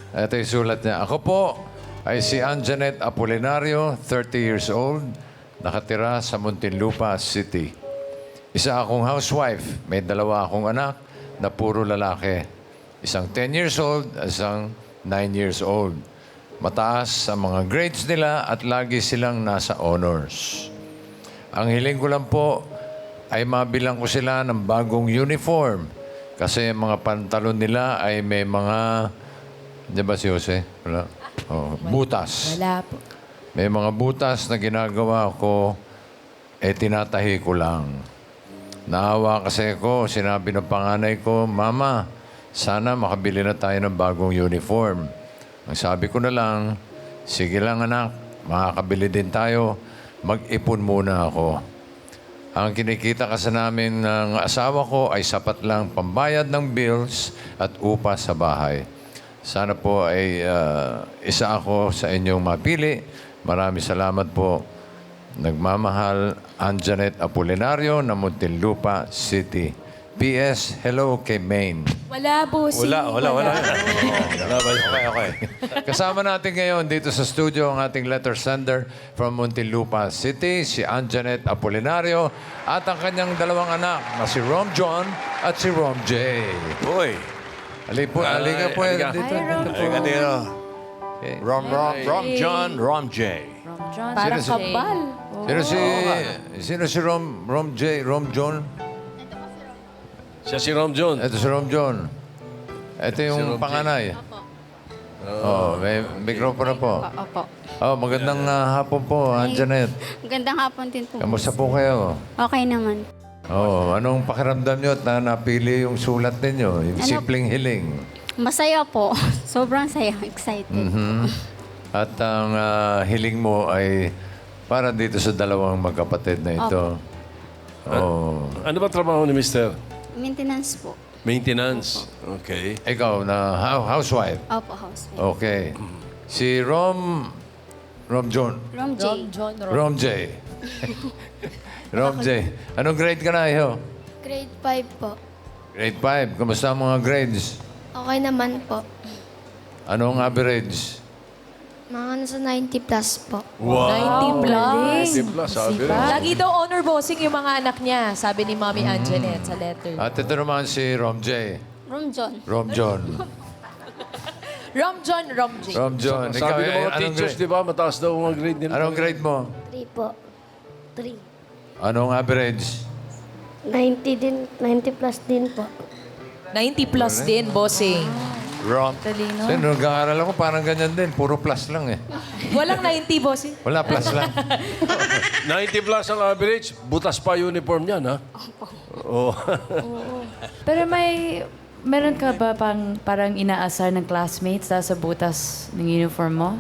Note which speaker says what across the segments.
Speaker 1: Ito yung sulat niya. Ako po ay si Anjanet Apolinario, 30 years old, nakatira sa Muntinlupa City. Isa akong housewife, may dalawa akong anak na puro lalaki. Isang 10 years old, isang 9 years old. Mataas ang mga grades nila at lagi silang nasa honors. Ang hiling ko lang po ay mabilang ko sila ng bagong uniform. Kasi ang mga pantalon nila ay may mga... Di ba si Jose? Wala? Oh, butas.
Speaker 2: Wala po.
Speaker 1: May mga butas na ginagawa ko, tinatahi ko lang. Naawa kasi ako, sinabi ng panganay ko, Mama, sana makabili na tayo ng bagong uniform. Ang sabi ko na lang, sige lang anak, makakabili din tayo, mag-ipon muna ako. Ang kinikita kasi namin ng asawa ko ay sapat lang pambayad ng bills at upa sa bahay. Sana po ay isa ako sa inyong mapili. Maraming salamat po. Nagmamahal, Anjanet Apolinario ng Muntinlupa City. P.S. Hello kay Maine.
Speaker 2: Wala, bossing.
Speaker 3: Wala.
Speaker 1: Okay. Kasama natin ngayon dito sa studio ang ating letter sender from Muntinlupa City, si Anjanet Apolinario, at ang kanyang dalawang anak na si Rom John at si Rom J.
Speaker 3: Uy.
Speaker 1: Halika po
Speaker 3: halika.
Speaker 1: dito.
Speaker 3: Halika dito.
Speaker 1: Okay.
Speaker 3: Rom John, Rom J.
Speaker 2: Parang
Speaker 1: Sino si-
Speaker 2: kabal.
Speaker 1: Sino si Rom J, Rom John?
Speaker 3: Siya si Rom John.
Speaker 1: Ito si Rom John. Ito
Speaker 3: Si Rom
Speaker 1: yung
Speaker 3: J.
Speaker 1: panganay. Oh, may mikropono po.
Speaker 4: Opo.
Speaker 1: Oh, magandang hapon po, Anjanet.
Speaker 4: Magandang hapon din po.
Speaker 1: Kamusta po kayo?
Speaker 4: Okay naman.
Speaker 1: Oh, anong pakiramdam nyo at napili yung sulat ninyo? Yung
Speaker 4: Ano?
Speaker 1: simpleng hiling.
Speaker 4: Masaya po. Sobrang saya. Excited.
Speaker 1: At ang hiling mo ay para dito sa dalawang magkapatid na ito. Oh.
Speaker 3: Ano ba trabaho ni Mister?
Speaker 4: Maintenance po.
Speaker 3: Maintenance. Okay.
Speaker 1: Ikaw na housewife.
Speaker 4: Opo, house.
Speaker 1: Okay. Si Rom John.
Speaker 4: Rom J.
Speaker 2: John,
Speaker 1: Rom J. Rom J. Anong grade ka na, Iho?
Speaker 5: Grade 5 po.
Speaker 1: Grade 5. Kamusta ang mga grades?
Speaker 5: Okay naman po.
Speaker 1: Anong average?
Speaker 5: Mga nasa 90 plus po.
Speaker 2: 90 plus.
Speaker 3: 50 plus, sabi rin.
Speaker 2: Lagi daw honor bossing yung mga anak niya, sabi ni Mommy Anjanet sa letter.
Speaker 1: At ito naman si Rom J.
Speaker 4: Rom John.
Speaker 1: Rom John.
Speaker 2: Rom John, Rom J.
Speaker 1: Rom John.
Speaker 3: Sabi ng mga teachers, di ba, mataas daw ang grade nila.
Speaker 1: Anong grade mo?
Speaker 5: 3 po. 3.
Speaker 1: Anong average?
Speaker 5: 90 din. 90 plus din po.
Speaker 2: 90 plus din, bossing.
Speaker 1: Rom.
Speaker 2: Talino.
Speaker 1: Nung nag-aaral ako, parang ganyan din. Puro plus lang eh.
Speaker 2: Walang 90, bossing.
Speaker 1: Wala, plus lang.
Speaker 3: 90 plus ang average, butas pa uniform niyan, ha? Oo.
Speaker 6: Pero meron ka ba parang inaasar ng classmates dahil sa butas ng uniform mo?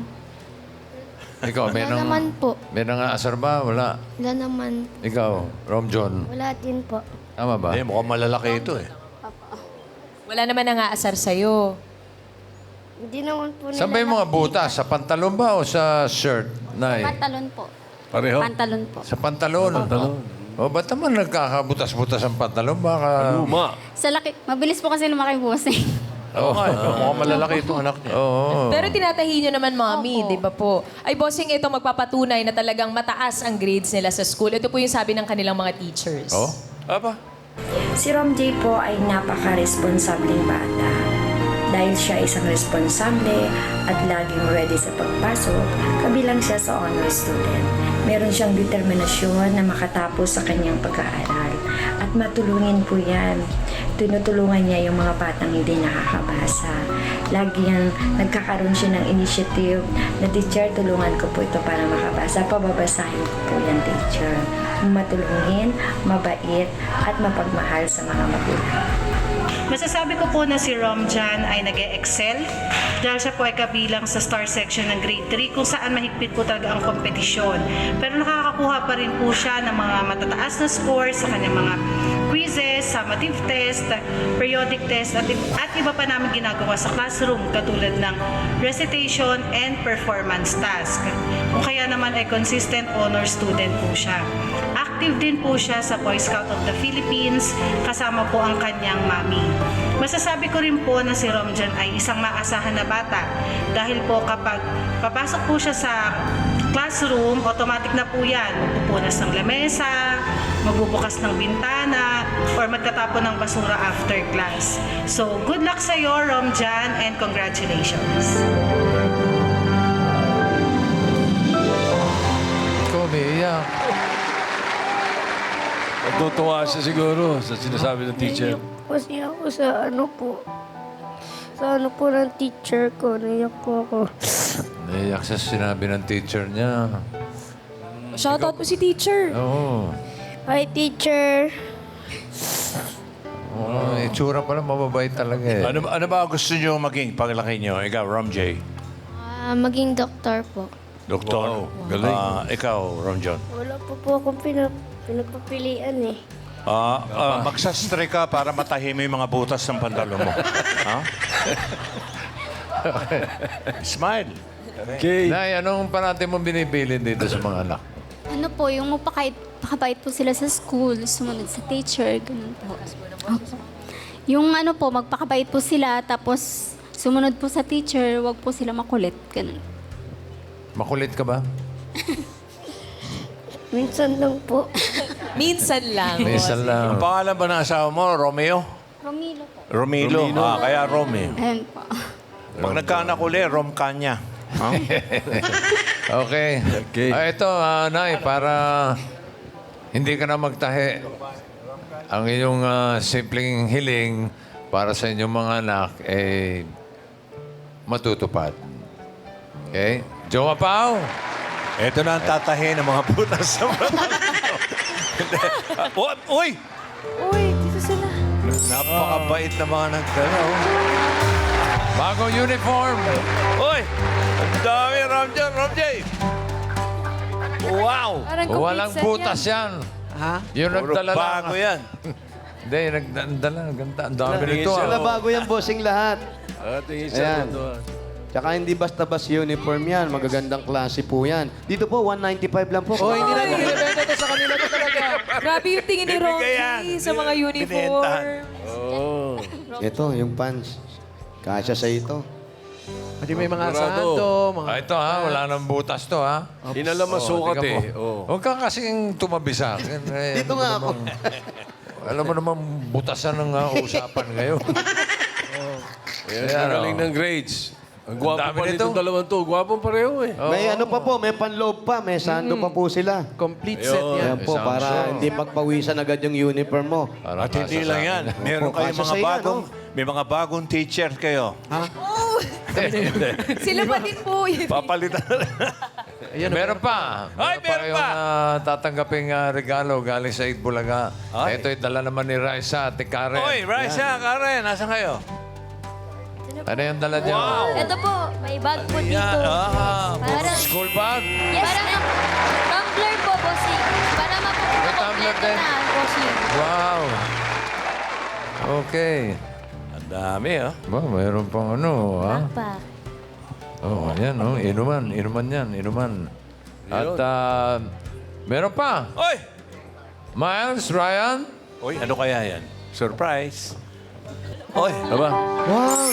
Speaker 1: Ikaw, may
Speaker 5: Wala naman po.
Speaker 1: may nang-aasar ba? Wala.
Speaker 5: Wala naman.
Speaker 1: Ikaw, Rom John.
Speaker 5: Wala din po.
Speaker 1: Tama ba?
Speaker 3: Mukhang malalaki ito, eh.
Speaker 2: Wala naman nang aasar sa'yo.
Speaker 5: Hindi naman po
Speaker 1: Saan ba yung mga butas? Sa pantalon ba o sa shirt? Nay?
Speaker 4: Pantalon po.
Speaker 3: Pareho.
Speaker 4: Pantalon po.
Speaker 1: Sa pantalon? O, ba't naman nagkakabutas-butas ang pantalon? Baka...
Speaker 3: Luma.
Speaker 4: Sa laki. Mabilis po kasi lumaki bossing.
Speaker 3: Oo nga, mukhang malalaki itong anak niya.
Speaker 1: Oo.
Speaker 2: Pero tinatahi nyo naman, Mommy, di ba po? Ay, bossing, ito magpapatunay na talagang mataas ang grades nila sa school. Ito po yung sabi ng kanilang mga teachers.
Speaker 1: Oh?
Speaker 3: Aba?
Speaker 7: Si Rom J po ay napaka-responsableng bata. Dahil siya ay isang responsable at laging ready sa pagpasok, kabilang siya sa honor student. Meron siyang determinasyon na makatapos sa kanyang pag-aaral at matulungin po yan. Tinutulungan niya yung mga batang hindi nakakabasa. Lagi nagkakaroon siya ng initiative na teacher, tulungan ko po ito para makabasa. Pababasahin ko po yan, teacher. Matulungin, mabait, at mapagmahal sa mga magulang.
Speaker 8: Masasabi ko po na si Rom Jan ay nag-excel dahil siya po ay kabilang sa star section ng grade 3 kung saan mahigpit po talaga ang kompetisyon. Pero nakakakuha pa rin po siya ng mga matataas na scores sa kanyang mga quizzes, summative test, periodic test at iba pa namin ginagawa sa classroom katulad ng recitation and performance task. Kung kaya naman ay consistent honor student po siya. Active din po siya sa Boy Scout of the Philippines kasama po ang kanyang mami. Masasabi ko rin po na si Romjan ay isang maasahan na bata dahil po kapag papasok po siya sa classroom, automatic na po yan. Magpupunas ng lamesa, magbubukas ng bintana, or magtatapon ng basura after class. So, good luck sa iyo, Romjan, and congratulations.
Speaker 1: Ikaw, umiiyak.
Speaker 3: Natutuwa siya siguro sa sinasabi ng teacher.
Speaker 5: Kasi ako sa ng teacher ko. Naiyak po ako.
Speaker 1: Naiyak sa sinabi ng teacher niya.
Speaker 2: Shoutout po si teacher.
Speaker 1: Oo.
Speaker 5: Hi, teacher.
Speaker 1: Oo, itsura pala mababait talaga eh.
Speaker 9: Ano ba gusto niyo maging paglaki niyo? Ikaw, Rom J.
Speaker 5: Maging doktor po.
Speaker 9: Doktor.
Speaker 3: Wow, galing.
Speaker 9: Ikaw, Rom John.
Speaker 5: Wala po akong pinagpapilian eh.
Speaker 9: Magsastre ka para matahimik yung mga butas ng pantalon mo. Ha? Smile.
Speaker 3: Okay.
Speaker 1: Nay, anong parati mo binibilin dito sa mga anak?
Speaker 4: Ano po, yung pakabait po sila sa school, sumunod sa teacher, ganun po. Yung ano po, magpakabait po sila, tapos sumunod po sa teacher, wag po sila makulit, ganun.
Speaker 1: Makulit ka ba?
Speaker 5: Minsan lang po.
Speaker 2: Minsan lang.
Speaker 1: Minsan lang.
Speaker 9: Ang pangalan ba ng asawa mo? Romeo?
Speaker 4: Romilo po.
Speaker 9: Romilo. Kaya Romeo.
Speaker 4: Ayun po.
Speaker 9: Pag nagkaanak uli, Rom Kanya. Ha?
Speaker 1: Okay.
Speaker 3: Okay.
Speaker 1: Ito, Nay, para hindi ka na magtahi. Ang iyong simpleng hiling para sa inyong mga anak ay matutupad. Okay? Jowa Pao!
Speaker 9: Ito na ang tatahin ng mga butas sa Uy!
Speaker 6: Uy, dito sila.
Speaker 9: Napakabait na mga nagdala.
Speaker 1: Bagong uniform!
Speaker 9: Uy! Ang dami, Rom John, Rom J. Wow!
Speaker 6: Parang complete
Speaker 1: Walang
Speaker 6: set
Speaker 1: butas yan. Ha? Yung
Speaker 9: Puro
Speaker 1: nagdala lang.
Speaker 9: bago yan.
Speaker 1: Hindi, nagdala. Ganda. Ang dami nito.
Speaker 10: Wala bago yan, bossing lahat.
Speaker 3: Tingin siya
Speaker 10: Ayan.
Speaker 3: doon.
Speaker 10: Tsaka hindi basta-basta uniform yan. Magagandang klase po yan. Dito po, 195 lang po.
Speaker 6: Oh, hindi na nilibenta to sa kanila to talaga. Grabe yung tingin ni
Speaker 9: Bibigay yan.
Speaker 6: Rocky sa mga uniform.
Speaker 9: Binentahan.
Speaker 3: Oh.
Speaker 10: Ito, yung pants. Kasya sa ito.
Speaker 11: Hindi may mga
Speaker 3: Sigurado.
Speaker 11: santo, mga...
Speaker 1: Ito ha, wala nang butas to ha.
Speaker 3: Inala masukat
Speaker 1: tingnan
Speaker 3: eh.
Speaker 1: mo.
Speaker 3: Oh.
Speaker 1: Huwag ka kasing tumabi sa akin.
Speaker 10: Dito nga ako.
Speaker 1: Alam mo naman, butasan ng usapan ngayon.
Speaker 3: Ayan,
Speaker 1: Ayan,
Speaker 3: galing
Speaker 1: oh.
Speaker 3: ng grades. Ang
Speaker 1: Ang
Speaker 3: gwapo
Speaker 1: dami
Speaker 3: pa
Speaker 1: nito.
Speaker 3: nitong dalawang to. Gwapong pareho eh.
Speaker 10: May ano pa po, may panloob pa. May sando pa po sila.
Speaker 11: Complete set yan.
Speaker 10: Yan po,
Speaker 1: Isang
Speaker 10: para
Speaker 1: show.
Speaker 10: hindi pagpawisan agad yung uniform mo.
Speaker 1: Para
Speaker 9: At hindi
Speaker 1: nasa sa
Speaker 9: lang yan.
Speaker 1: akin.
Speaker 9: Meron
Speaker 10: Opo,
Speaker 9: kayong
Speaker 10: kasya
Speaker 9: mga
Speaker 10: sa iyan,
Speaker 9: bagong... May mga bagong teacher kayo.
Speaker 2: Sila pa din po.
Speaker 9: Papalitan na lang.
Speaker 1: Meron pa.
Speaker 9: Ay, meron
Speaker 1: kayong,
Speaker 9: pa.
Speaker 1: tatanggaping regalo galing sa Itbulaga.
Speaker 9: Ay.
Speaker 1: Ito'y dala naman ni Raisa at ni Karen.
Speaker 9: Oy, Raisa, Karen, nasa kayo?
Speaker 1: Ano yung dala niyo?
Speaker 5: Ito po, may bag po dito.
Speaker 9: Yan.
Speaker 5: Parang,
Speaker 1: School bag?
Speaker 5: yes, parang tumbler po, bossing. Para
Speaker 1: May
Speaker 5: mapupunta
Speaker 1: tumbler
Speaker 5: kompleto
Speaker 1: din?
Speaker 5: na, bossing.
Speaker 1: Wow. Okay.
Speaker 9: Ang dami, ah.
Speaker 1: Ba, mayroon pang ano, ha?
Speaker 5: Pa.
Speaker 1: Oh, yan, oh. Inuman. Inuman yan. Inuman. At meron pa.
Speaker 9: Oy!
Speaker 1: Miles, Ryan.
Speaker 9: Oy, ano kaya yan? Surprise. Oy,
Speaker 3: Aba?
Speaker 10: Wow!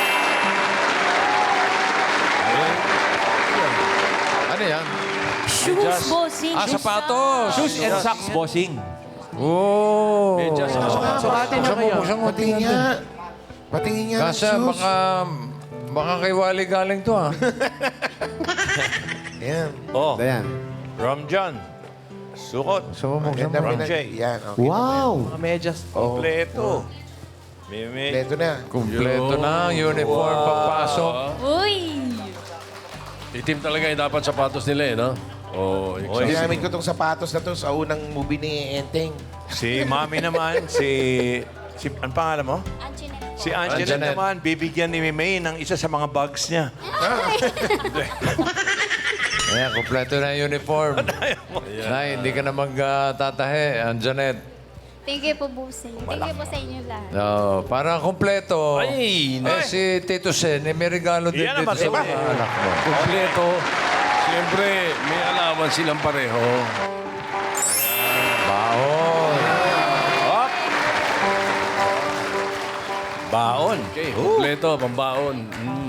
Speaker 1: Ano yan?
Speaker 2: Shoes, bossing.
Speaker 1: Sapatos.
Speaker 11: Shoes and socks, bossing.
Speaker 1: Oh.
Speaker 3: Medyas na
Speaker 11: Bukati na kaya.
Speaker 1: Buksan mo, tingnan natin.
Speaker 10: Patingin nga
Speaker 1: Kasi baka kay Wally galing to, ha?
Speaker 9: Oh,
Speaker 10: Ayan.
Speaker 9: Rom John. Sukot.
Speaker 1: So, buksan mo.
Speaker 9: Rom J.
Speaker 10: Wow!
Speaker 11: Mga medyas.
Speaker 9: Kompleto. Mimi.
Speaker 1: Kumpleto na. Uniform, pagpasok.
Speaker 5: Uy!
Speaker 3: Itim talaga yung dapat sapatos nila eh, no? Oh,
Speaker 9: Oy,
Speaker 11: Ginamit ko tong sapatos na to sa unang movie ni Enteng.
Speaker 9: si Mami naman, si ang pangalan mo?
Speaker 4: Antoinette.
Speaker 9: Si Angela
Speaker 1: Antoinette.
Speaker 9: naman, bibigyan ni Mimi ng isa sa mga bags niya.
Speaker 1: Ayan, kumpleto na yung uniform. Nay, hindi ka na magtatahe. Janet.
Speaker 4: Thank you po, bossing. Thank you po sa inyo lahat.
Speaker 1: No, para kumpleto.
Speaker 3: Ay,
Speaker 1: Si Tito Sen, may regalo din
Speaker 9: Yan
Speaker 1: dito
Speaker 9: naman,
Speaker 1: sa
Speaker 9: diba?
Speaker 1: mga anak mo.
Speaker 3: kompleto. Siyempre, may alawan silang pareho.
Speaker 1: Baon.
Speaker 11: Baon.
Speaker 3: Okay, kompleto, pambaon.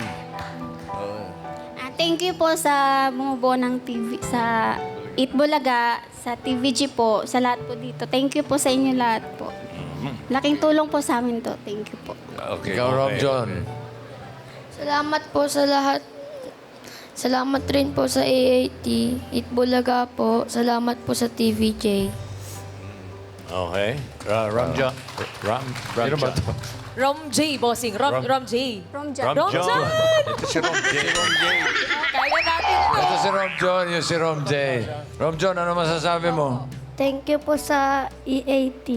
Speaker 4: Thank you po sa bumubuo ng TV, sa Itbulaga, sa TVG po, sa lahat po dito. Thank you po sa inyo lahat po. Laking tulong po sa amin to. Thank you po.
Speaker 3: Okay,
Speaker 1: Ikaw, Rob
Speaker 3: okay.
Speaker 1: John.
Speaker 5: Salamat po sa lahat. Salamat rin po sa AAT, Itbulaga po. Salamat po sa TVJ.
Speaker 3: Okay.
Speaker 1: Ram John. Sino ba ito?
Speaker 2: Rom J, bossing. Rom J.
Speaker 4: From Jan.
Speaker 2: Rom John!
Speaker 11: Ito si Rom J.
Speaker 2: Kaya natin to.
Speaker 1: Ito si Rom John, yung si Rom J. Rom John, ano masasabi mo?
Speaker 4: Thank you po sa EAT.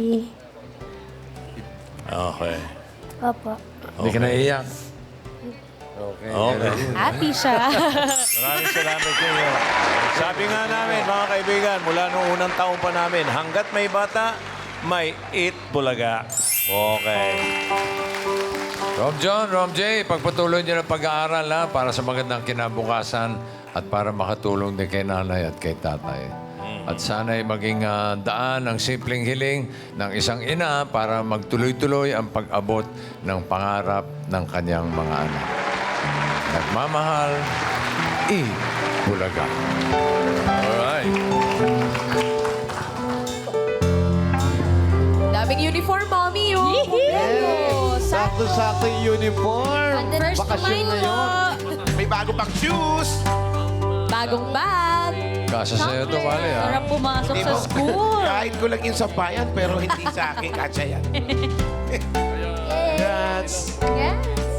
Speaker 3: Okay.
Speaker 4: Opo.
Speaker 1: Hindi ka naiiyak.
Speaker 3: Okay.
Speaker 2: Happy siya.
Speaker 11: Maraming salamat sa inyo. Sabi nga namin, mga kaibigan, mula nung unang taon pa namin, hanggat may bata, may Itbulaga. Okay.
Speaker 1: Rom J, pagpatuloy niyo ng pag-aaral ha, para sa magandang kinabukasan at para makatulong din kay nanay at kay tatay. At sana'y maging daan ang simpleng hiling ng isang ina para magtuloy-tuloy ang pag-abot ng pangarap ng kanyang mga anak. Nagmamahal, Bulaga.
Speaker 3: Alright.
Speaker 2: Daming uniform, mommy, oh.
Speaker 10: Sakto-sakto yung uniform.
Speaker 2: First
Speaker 10: Bakasyon na yun.
Speaker 11: May bago pang shoes.
Speaker 2: Bagong bag.
Speaker 1: Kasa sa'yo ito, Wally, ha?
Speaker 5: Para pumasok
Speaker 11: Di
Speaker 5: sa
Speaker 11: mo-
Speaker 5: school.
Speaker 11: Kahit ko lang yung sampayan, pero hindi sa akin. Katsa yan.
Speaker 4: Yes.